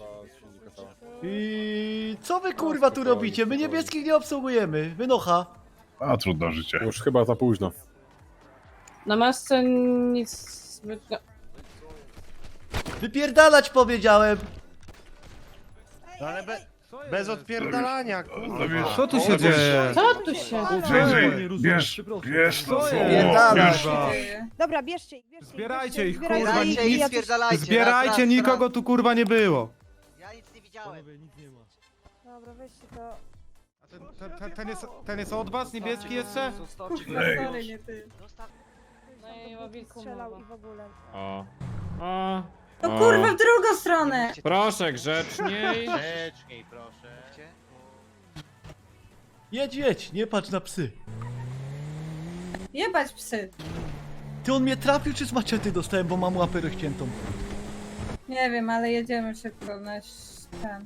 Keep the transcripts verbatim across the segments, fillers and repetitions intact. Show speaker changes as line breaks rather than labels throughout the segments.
I co wy kurwa tu robicie? My niebieskich nie obsługujemy. Wynocha.
A trudno życie.
Już chyba za późno.
Na masce nic zbytnio.
Wypierdalać powiedziałem.
No ale be, bez odpierdalania, kurwa.
Co tu się dzieje?
Co tu się
Jay, bierz, bierz to.
Pierdalać.
Dobra, bierzcie ich, bierzcie ich,
Zbierajcie ich,
zbierajcie
kurwa,
ich,
nic-
i ja coś-
Zbierajcie, nikogo tu kurwa nie było.
Ja nic nie widziałem.
Dobra, weźcie to.
A ten, ten, ten, ten, jest, ten jest od was, niebieski jeszcze?
Sorry, nie ty.
Zostaw.
No i o wilku
Strzelał
mowa.
i w ogóle.
O. O.
No
O.
kurwa, w drugą stronę!
Proszę grzeczniej.
Grzeczniej, proszę. Gdzie?
Jedź, jedź, nie patrz na psy.
Jebać psy.
Ty on mnie trafił czy z maczety dostałem, bo mam łapę rozciętą?
Nie wiem, ale jedziemy szybko na ś- ten.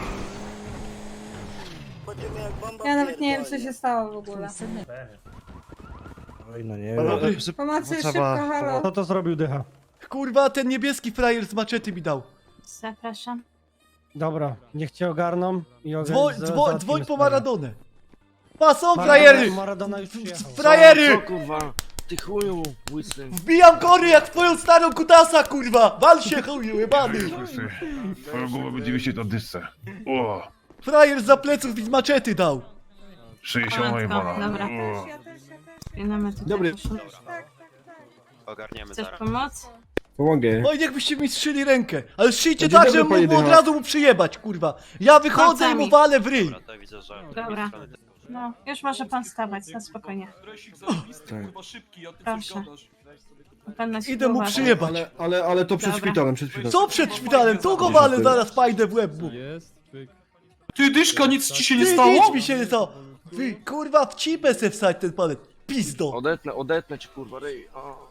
Ja nawet nie wiem, co się stało w ogóle.
Oj, no nie
Dobry.
Pomocy,
Trzeba-
szybko, halo.
Kto to zrobił, dycha?
Kurwa, ten niebieski frajer z maczety mi dał.
Zapraszam.
Dobra, niech cię ogarną i ogarną.
Dzwoń, dzwoń, dzwoń po Maradonę. Pa, są
Maradona,
frajery!
Maradona już przyjechał.
Frajery!
kurwa? Ty chuju, łysy.
Wbijam kory jak w twoją starą kutasa, kurwa! Wal się, chuju, jebany!
Twoją głowę będzie wisieć na dysce. O,
Frajer za pleców mi z maczety dał.
sześćdziesiąt jebana.
Dobra.
O.
Spinamy tutaj.
Dobry.
Ogarniemy
Chcesz
zaraz.
pomoc?
Pomogę.
No i niechbyście mi strzyli rękę. Ale strzyjcie
Dzień
tak,
dobry,
żeby
panie
mógł od
dycha.
razu mu przyjebać, kurwa. Ja wychodzę i mu
Palcami.
walę w ryj.
Dobra, to widzę, że...
Dobra. No, już może pan stawać, na spokojnie. Proszę. Pan na siebie
Idę mu
uważa.
przyjebać.
Ale, ale, ale to przed
Dobra.
szpitalem, przed szpitalem.
Co przed szpitalem? Tu go walę, zaraz pajdę w łeb mu.
Ty dyszka, nic ci się nie
Ty,
stało?
nic mi się nie stało. Ty, kurwa, w cipę se wsadź ten palec. Pizdo.
Odetnę, odetnę ci, kurwa, ryj. O.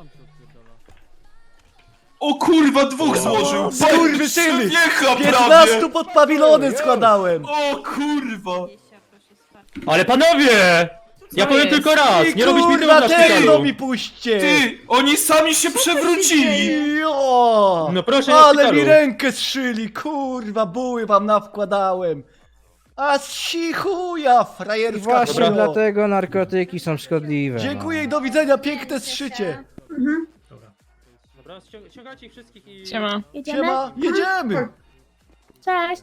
O kurwa, dwóch złożył!
Skurwysyny!
Wiecha
piętnastu pod pawilonem składałem.
O kurwa!
Ale panowie! Ja powiem
jest?
tylko raz,
I
nie robić mi
kurwa,
na
tego
szpitalu.
mi puśćcie.
Ty, oni sami się przewrócili!
Jo!
No proszę, na
Ale
szpitalu.
mi rękę zszyli, kurwa, buły wam nawkładałem. A si chuja, frajerska
Właśnie
szmalo.
dlatego narkotyki są szkodliwe.
Dziękuję i do widzenia, piękne zszycie.
Dobra, ścią- ściągajcie ich wszystkich i...
Siema.
Siema, jedziemy.
Cześć.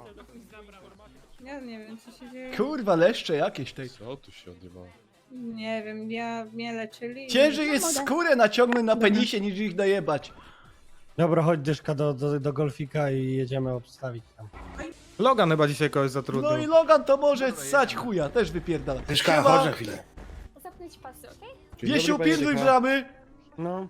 Ja nie wiem, co się dzieje.
Kurwa, leszcze jakieś tej.
Co tu się odbywa?
Nie wiem, ja mnie leczyli. i-
Ciężej jest skórę naciągnąć na penisie niż ich najebać.
Dobra, chodź dyszka do, do, do golfika i jedziemy obstawić tam.
Logan chyba dzisiaj kogoś
No i
zatrudnił.
Logan to może ssać chuja, też wypierdala.
Dyszka, chodź na chwilę.
Zapnąć pasy, okej?
Wiesiu, pilnuj bramy.
No.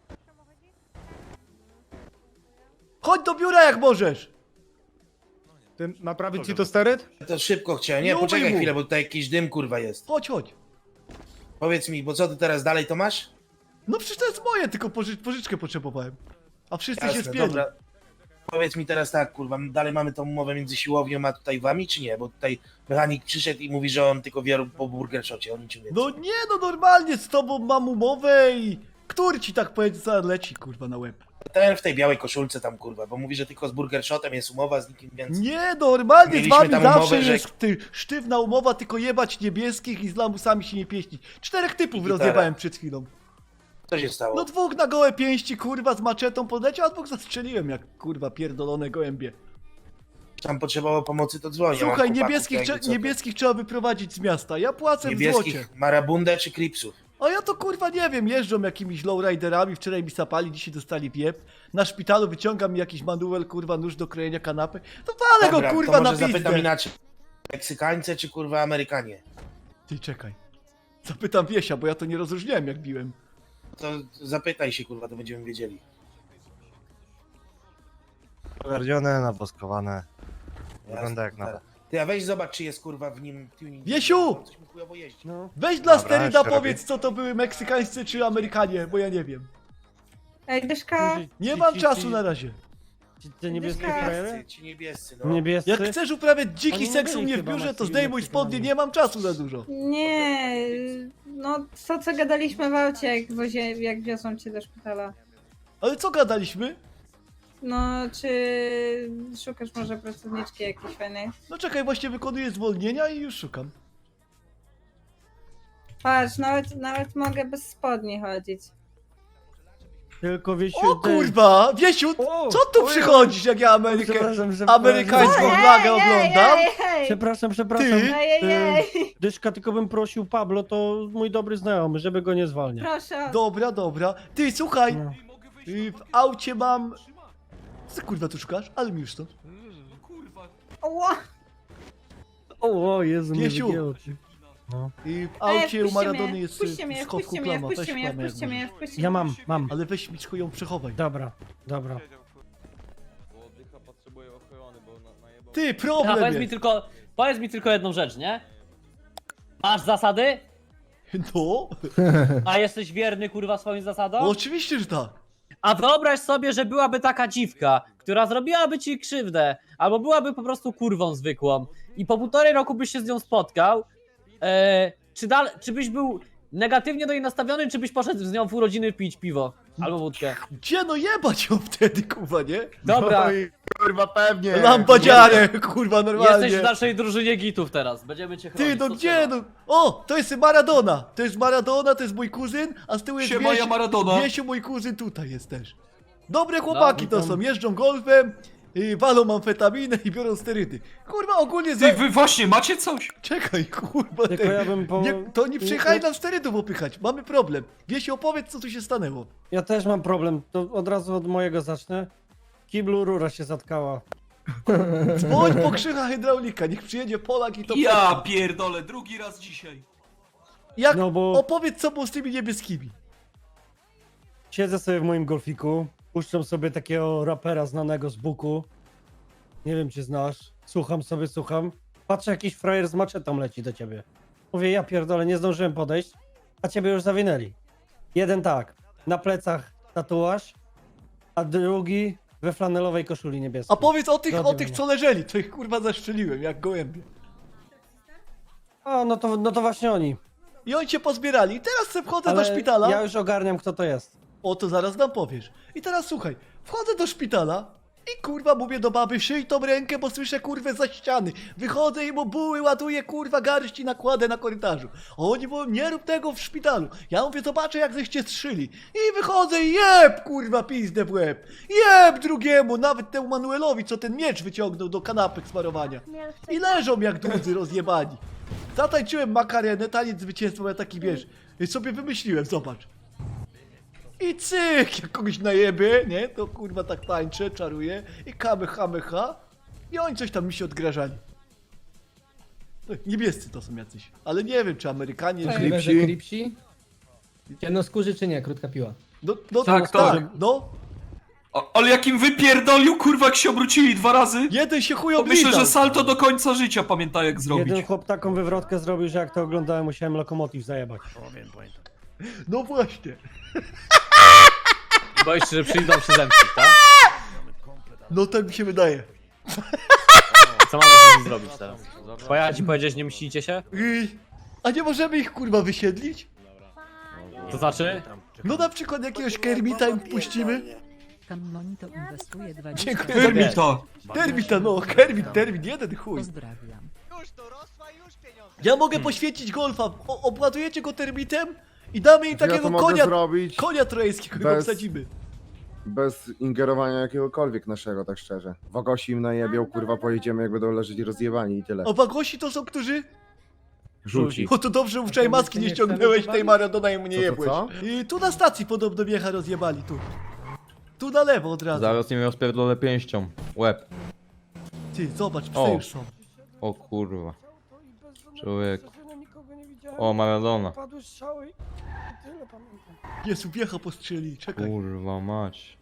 Chodź do biura jak możesz.
Ty naprawić ci to steryt?
To szybko chciałem. Nie,
Nie
poczekaj
umyj mu.
chwilę, bo tutaj jakiś dym, kurwa, jest.
Chodź, chodź.
Powiedz mi, bo co ty teraz dalej to masz?
No przecież to jest moje, tylko poży pożyczkę potrzebowałem. A wszyscy się
Jasne,
spieli.
dobra. Powiedz mi teraz tak, kurwa, dalej mamy tą umowę między siłownią a tutaj wami, czy nie? Bo tutaj mechanik przyszedł i mówi, że on tylko wie po burger shocie, on nic nie wie.
No nie, no normalnie z tobą mam umowę i... Który ci tak powiedział, co leci, kurwa, na łeb?
Ten w tej białej koszulce tam, kurwa, bo mówi, że tylko z burger shotem jest umowa, z nikim więcej.
Nie, normalnie z
Mieliśmy
wami
tam
zawsze
umowę, że-
jest ty, sztywna umowa, tylko jebać niebieskich i z lamusami się nie pieścić. Czterech typów
I gitara.
rozjebałem przed chwilą.
Co się stało?
No dwóch na gołe pięści, kurwa, z maczetą podleciał, a dwóch zastrzeliłem jak, kurwa, pierdolone gołębie.
Tam potrzebowało pomocy, to dzwonię. mam
Słuchaj,
chłopaków,
niebieskich,
jakby
trze-
co to.
niebieskich trzeba wyprowadzić z miasta, ja płacę w złocie.
Niebieskich, marabundę czy kripsów?
A ja to kurwa nie wiem, jeżdżą jakimiś lowriderami, wczoraj mi sapali, dzisiaj dostali wiep. Na szpitalu wyciągam mi jakiś manuel, kurwa, nóż do krojenia kanapy. To walę
Dobra,
go, kurwa,
to
na
może zapytam
pizdę.
inaczej. Meksykańcy czy kurwa Amerykanie?
Ty czekaj. Zapytam Wiesia, bo ja to nie rozróżniałem jak biłem.
To zapytaj się, kurwa, to będziemy wiedzieli.
Pogardzione, nawoskowane. Wygląda jak
Jasne,
nowe.
tak. Ty, a weź zobacz, czy jest kurwa w nim tuning.
Wiesiu!
Coś mu chujowo jeździ.
No.
Weź dla
Dobra,
steryda
jeszcze
powiedz, co to były meksykańscy czy Amerykanie, bo ja nie wiem.
Ej, Dyszka.
Nie
Ci-
mam
ci-
czasu
ci-
na razie.
Ci, te niebieskie
Dyszka.
frajery?
Niebiescy, ci niebiescy, no.
Niebiescy?
Jak chcesz uprawiać dziki
Oni nie
seks u
byli
mnie w
chyba
biurze, to
Meksyk-
zdejmuj spodnie, nie mam czasu za dużo.
Nie, no to co gadaliśmy w aucie, jak, wozie, jak wiozą cię do szpitala.
Ale co gadaliśmy?
No, czy szukasz może pracowniczki jakiejś fajnej?
No czekaj, właśnie wykonuję zwolnienia i już szukam.
Patrz, nawet, nawet mogę bez spodni chodzić.
Tylko Wiesiu...
O
ty-
kurwa! Wiesiu,
O,
co tu
ojej.
przychodzisz, jak ja Amerykę,
Przepraszam, przepraszam.
amerykańską
Ej,
flagę
ej,
oglądam?
Ej, ej,
Przepraszam, przepraszam.
Ty?
ej, ej, ej.
Y, Dyszka, tylko bym prosił Pablo, to mój dobry znajomy, żeby go nie zwalniać.
Proszę.
Dobra, dobra. Ty, słuchaj,
No.
y, w aucie mam... Co ty, kurwa tu szukasz? Ale mi już stąd.
Ła.
O, o Jezu, mnie
Wiesiu.
wygięło. Ty. No.
I w
Ej,
aucie u
wpuśćcie
Maradony
mnie,
jest
wpuśćcie
y,
mnie,
w schowku
wpuśćcie mnie,
plama. Weź
wpuśćcie mnie,
plamę jak
wpuśćcie mnie,
możesz.
wpuśćcie
Ja
mnie.
mam, mam.
Ale weź mi ją przechowaj.
Dobra, dobra.
Ty,
A
problem
powiedz mi
jest.
tylko, powiedz mi tylko jedną rzecz, nie? Masz zasady?
No,
A jesteś wierny kurwa swoim zasadom?
oczywiście, że tak.
A wyobraź sobie, że byłaby taka dziwka, która zrobiłaby ci krzywdę, albo byłaby po prostu kurwą zwykłą i po półtorej roku byś się z nią spotkał, e, czy, dal, czy byś był negatywnie do niej nastawiony, czy byś poszedł z nią w urodziny pić piwo albo wódkę?
Gdzie no jebać ją wtedy, kurwa, nie?
Dobra,
Kurwa, pewnie.
Lampadziarę, kurwa, normalnie.
jesteś w naszej drużynie gitów teraz, będziemy cię chronić.
Ty, no
co
gdzie
trzeba.
no? O, to jest Maradona. To jest Maradona, to jest mój kuzyn, a z tyłu jest
Siema, ja
Wiesiu,
Maradona.
Wiesiu, mój kuzyn tutaj jest też. Dobre chłopaki
No,
to są, jeżdżą golfem, yy, walą amfetaminę i biorą sterydy. Kurwa, ogólnie za...
Ty, wy właśnie macie coś?
Czekaj, kurwa,
Tylko
ty.
ja bym po...
Nie, to nie przyjechali
ja,
nam sterydów opychać, mamy problem. Wiesiu, opowiedz, co tu się stanęło.
ja też mam problem, to od razu od mojego zacznę. W kiblu rura się zatkała.
Dzwoń po krzycha hydraulika, niech przyjedzie Polak i to...
Ja pierdolę, drugi raz dzisiaj.
Jak,
No bo-
opowiedz, co było z tymi niebieskimi.
Siedzę sobie w moim golfiku, puszczam sobie takiego rapera znanego z Buku. Nie wiem, czy znasz. Słucham sobie, słucham. Patrzę, jakiś frajer z maczetą leci do ciebie. Mówię, ja pierdolę, nie zdążyłem podejść, a ciebie już zawinęli. Jeden tak, na plecach tatuaż, a drugi we flanelowej koszuli niebieskiej.
A powiedz o tych,
Zgodnie
o tych,
mnie.
co leżeli, to ich kurwa zaszczeliłem, jak gołębie.
A, no to, no to właśnie oni.
I oni cię pozbierali. I teraz se wchodzę
Ale
do szpitala.
ja już ogarniam, kto to jest.
O, to zaraz nam powiesz. I teraz słuchaj, wchodzę do szpitala i kurwa mówię do baby, szyj tą rękę, bo słyszę kurwę za ściany. Wychodzę i mu buły ładuję, kurwa garści nakładę na korytarzu. A oni mówią, nie rób tego w szpitalu. Ja mówię, zobaczę jak żeście strzyli. I wychodzę i jeb, kurwa, pizdę w łeb. Jeb drugiemu, nawet temu Manuelowi, co ten miecz wyciągnął do kanapek smarowania. I leżą jak dudzy rozjebani. Zatańczyłem makarenę, taniec zwycięstwa, bo ja taki, wiesz, sobie wymyśliłem, zobacz. I cyk, jak kogoś najebie, nie, to kurwa tak tańczę, czaruję i kamy, chamy, ha. I oni coś tam mi się odgrażali. No, niebiescy to są jacyś, ale nie wiem, czy Amerykanie, czy...
Klipsi.
Klipsi? Ciemnoskórzy czy nie? Krótka piła.
No, no
Tak,
tak,
tak.
no.
O, ale jakim wypierdolił, kurwa, jak się obrócili dwa razy?
Jeden się chuj
To myślę,
oblizał.
że salto do końca życia pamięta jak zrobić.
Jeden chłop taką wywrotkę zrobił, że jak to oglądałem, musiałem lokomotyw zajebać.
No właśnie.
Boisz się, że przyjdą się zemścić, tak?
No tak mi się wydaje.
Co mamy z nimi zrobić teraz? Pojechać i powiedzieć, nie mścicie się?
I... A nie możemy ich kurwa wysiedlić?
To znaczy?
No na przykład jakiegoś Kermita im puścimy?
Monito inwestuje dwadzieścia.
Dziękuję.
Termita.
Termita, no, Kermit, termin, jeden chuj.
Pozdrawiam.
Ja mogę poświęcić golfa, o, obładujecie go termitem i damy im
Ja
takiego
to mogę
konia,
zrobić
konia trojańskiego, go
bez-
wsadzimy.
bez ingerowania jakiegokolwiek naszego, tak szczerze. Wagosi im najebią, kurwa, pojedziemy jak będą leżeć rozjebani i tyle.
A wagosi to są, którzy?
Żółci.
O, to dobrze, że wczoraj maski nie
nie
ściągnęłeś
chcemy
tej Maradona i mu nie
Co, co,
jebłeś.
co?
I tu na stacji podobno wiecha rozjebali, tu. Tu na lewo od razu.
Zaraz nie miał spierdolę pięścią. Łeb.
Ty, zobacz, psy
O.
już są.
O kurwa. Człowiek. O, Maradona.
Padły strzały i tyle pamiętam.
Jezu, wiecha postrzeli, czekaj.
Kurwa mać.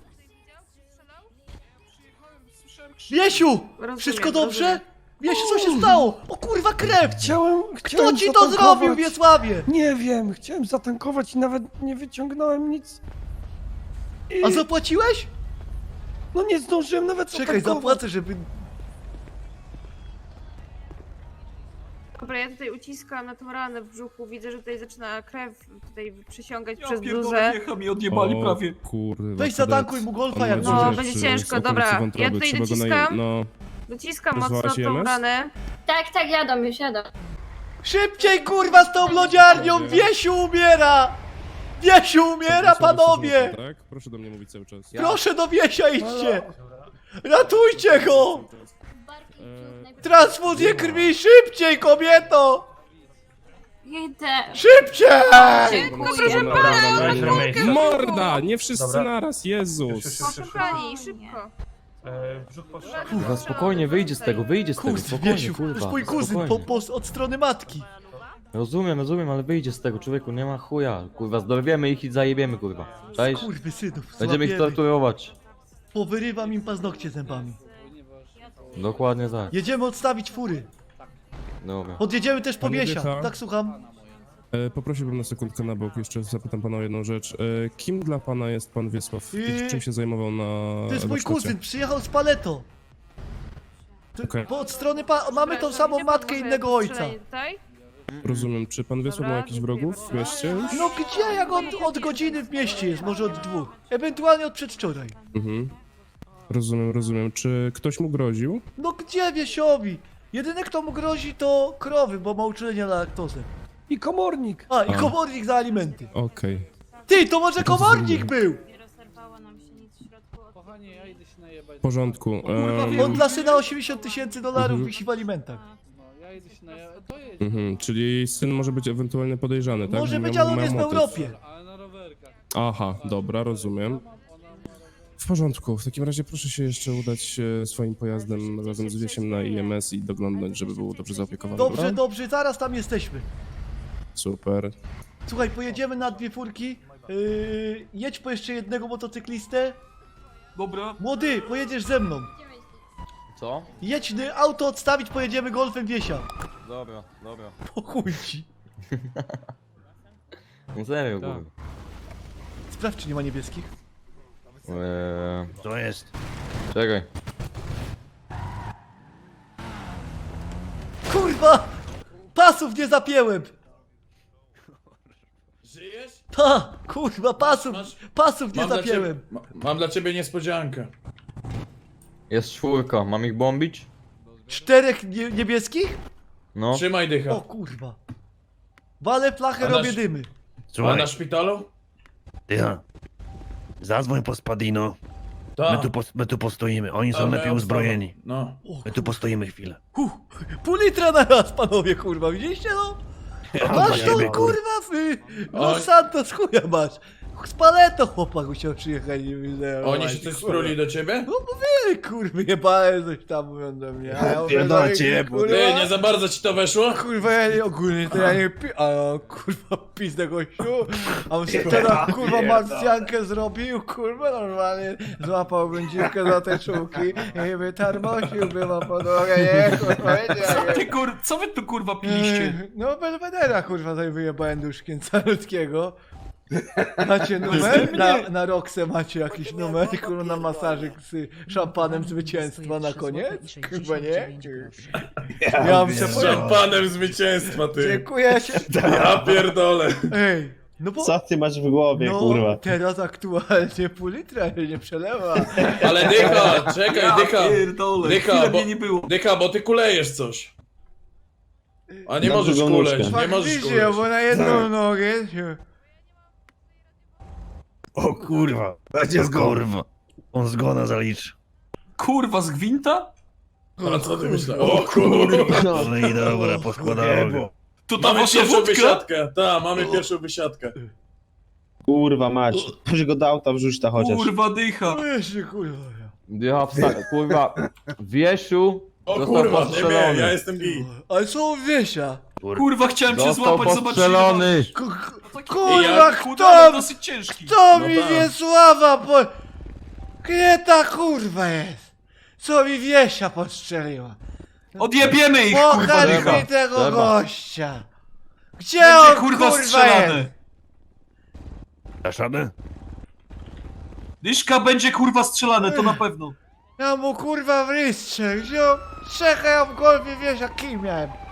Wiesiu! Wszystko dobrze? Wiesiu, co się stało? O kurwa, krew!
Chciałem,
Kto
chciałem
ci to
zatankować.
zrobił, Wiesławie?
Nie wiem, chciałem zatankować i nawet nie wyciągnąłem nic. I...
A zapłaciłeś?
No nie zdążyłem nawet
Czekaj,
zatankować.
zapłacę, żeby...
Dobra, ja tutaj uciskam na tą ranę w brzuchu, widzę, że tutaj zaczyna krew tutaj przysiągać
Ja
przez
pierdolę,
bluzę.
wiecha mi odjebali prawie.
Kurwa.
Weź zatankuj mu golfa jak
No,
możesz.
będzie ciężko, dobra. Ja tutaj dociskam,
No,
dociskam mocno
Rozwałaś
tą
I M S?
ranę.
Tak, tak, jadą, już jadą.
Szybciej kurwa z tą lodziarnią! Wiesiu umiera! Wiesiu umiera, panowie!
Tak? Proszę do mnie mówić cały czas.
Proszę do Wiesia idźcie! Ratujcie go! Transfuzję krwi, szybciej kobieto!
Idę.
Szybciej!
Dziękuję.
Morda! Nie wszyscy
Dobra.
naraz, Jezus!
Kochani, szybko.
Kurwa, spokojnie, wyjdzie z tego, wyjdzie z tego,
Kurde,
spokojnie,
Wiesiu, to jest
kurwa,
mój kuzyn po,
spokojnie.
po, od strony matki.
Rozumiem, rozumiem, ale wyjdzie z tego, człowieku, nie ma chuja. Kurwa, zdorwiemy ich i zajebiemy, kurwa. Cześć?
Kurwy synów,
Będziemy ich
złapiemy.
torturować.
Powyrywam im paznokcie zębami.
Dokładnie tak.
Jedziemy odstawić fury.
Dobra.
Podjedziemy też po
Panie
Wiesia.
Wiecha?
Tak, słucham.
E, poprosiłbym na sekundkę na bok, jeszcze zapytam pana o jedną rzecz. E, kim dla pana jest pan Wiesław?
Yy,
Czym się zajmował na
To jest mój
warsztacie?
kuzyn, przyjechał z Paleto. To-
Okej.
Bo od strony pa... mamy tą samą
Gdzie pan
matkę
może
innego ojca.
strzelanie tutaj?
Rozumiem. Czy pan Wiesław
Dobra,
ma jakichś
dziękuję
wrogów w
bardzo.
mieście już?
No gdzie, jak od, od godziny w mieście jest, może od dwóch. Ewentualnie od przedwczoraj.
Mhm. Rozumiem, rozumiem. Czy ktoś mu groził?
No gdzie Wiesiowi? Jedyny kto mu grozi to krowy, bo ma uczulenie na laktozę.
I komornik.
A, i
A.
komornik za alimenty.
Okej.
Ty, to może komornik był!
W porządku. Em,
On dla syna osiemdziesiąt tysięcy dolarów
Mhm.
wisi w alimentach.
mhm. Czyli syn może być ewentualnie podejrzany, tak?
Może
Że
być,
miał-
ale on
miał
jest w
motyw.
Europie.
Aha, dobra, rozumiem. W porządku, w takim razie proszę się jeszcze udać e, swoim pojazdem razem z Wiesiem na I M S i doglądnąć, żeby był dobrze zaopiekowany.
Dobrze,
dobra?
dobrze, zaraz tam jesteśmy.
Super.
Słuchaj, pojedziemy na dwie furki. Yy, jedź po jeszcze jednego motocyklistę.
Dobra.
Młody, pojedziesz ze mną.
Co?
Jedź y, auto odstawić, pojedziemy golfem Wiesia.
Dobra, dobra.
Po chuj ci.
No serio,
Tak.
kurwa.
Sprawdź, czy nie ma niebieskich.
Eee,
To jest.
czekaj.
Kurwa! Pasów nie zapięłem!
Żyjesz?
Ta! Kurwa, pasów! Pasów nie
Mam dla
zapięłem!
ciebie- ma- Mam dla ciebie niespodziankę.
Jest czwórka, mam ich bombić?
Czterech nie niebieskich?
No.
Trzymaj dycha.
O kurwa. Walę flachę,
A nasz-
robię dymy.
A na szpitalu?
Ja. Zadzwoń po Spadino.
Tak.
pos, my tu postoimy. Oni
A, moja obstawa. No.
O,
tu postoimy chwilę.
Huh, pół litra na raz, panowie, kurwa, widzieliście no? Masz tą kurwa w y, Los
Oj.
Santos, chuja masz. Z paleto chłopak musiał przyjechać, nie widzę.
Oni się coś spruli do ciebie?
No mówili, kurwa, jebałem coś tam mówią do mnie. A ja mówię,
Pierdolę
no,
cię,
kurwa,
Ty, nie za bardzo ci to weszło?
Kurwa, ja nie, ogólnie to ja nie pi... A kurwa, pizdę gościu. A on sobie teraz kurwa marsjankę zrobił, kurwa, normalnie złapałbym dziwkę za te czułki i wytarmosiłby na podłogę, nie, kurwa, wiecie jak jest.
kur... Co wy tu kurwa
No, Belvedera, kurwa, tutaj wyjebałem duszkiem calutkiego. Macie numer? Na, na Roxę macie jakiś numer, kurwa, na masażyk z szampanem zwycięstwa na koniec? Kurwa, nie? Ja bym się
Z szampanem zwycięstwa, ty.
Dziękuję się.
Ja pierdolę.
Ej, no bo...
ty masz w głowie,
No, teraz aktualnie pół litra nie przelewa.
Ale dycha, czekaj, dycha.
Pierdolę,
Dycha,
chwilę
bo,
mnie nie było.
dycha, bo ty kulejesz coś. A nie
Na
możesz
drugą
kuleć,
nóżkę.
nie możesz
Faktycznie,
kuleć.
bo na jedną nogę się...
O kurwa. Będzie zgon. On zgona zaliczy.
Kurwa, z gwinta?
A co ty myślałeś? O kurwa.
No i dobra, poskładało go.
To ta
Mamy
wasza
pierwszą
wódka?
wysiadkę. Tak, mamy pierwszą wysiadkę.
Kurwa mać. Już go do auta wrzuć ta
Kurwa, dycha.
No jeszcze, kurwa.
Ja wsta- kurwa. Wiesiu.
O
został
kurwa, nie
postrzelony.
wiem, ja jestem gej.
Ale co Wiesia?
Kurwa, chciałem cię
Został
złapać, zobaczyć.
postrzelony.
Ku-
Taki
Kurwa,
jak
chudy, ale
kto,
dosyć ciężki.
kto
No
mi
tak.
Wiesława po... Gdzie ta kurwa jest? Co mi Wiesia postrzeliła?
Odjebiemy ich, kurwa,
Pokaż
dycha.
mi tego
Trzeba.
gościa! Gdzie
Będzie
on
kurwa
kurwa
strzelany.
jest?
Dasz radę?
Dyszka będzie kurwa strzelane, to na pewno.
Ja mu kurwa w rystrze, gdzie on... Czekaj, ja w golfie Wiesia, kim miałem?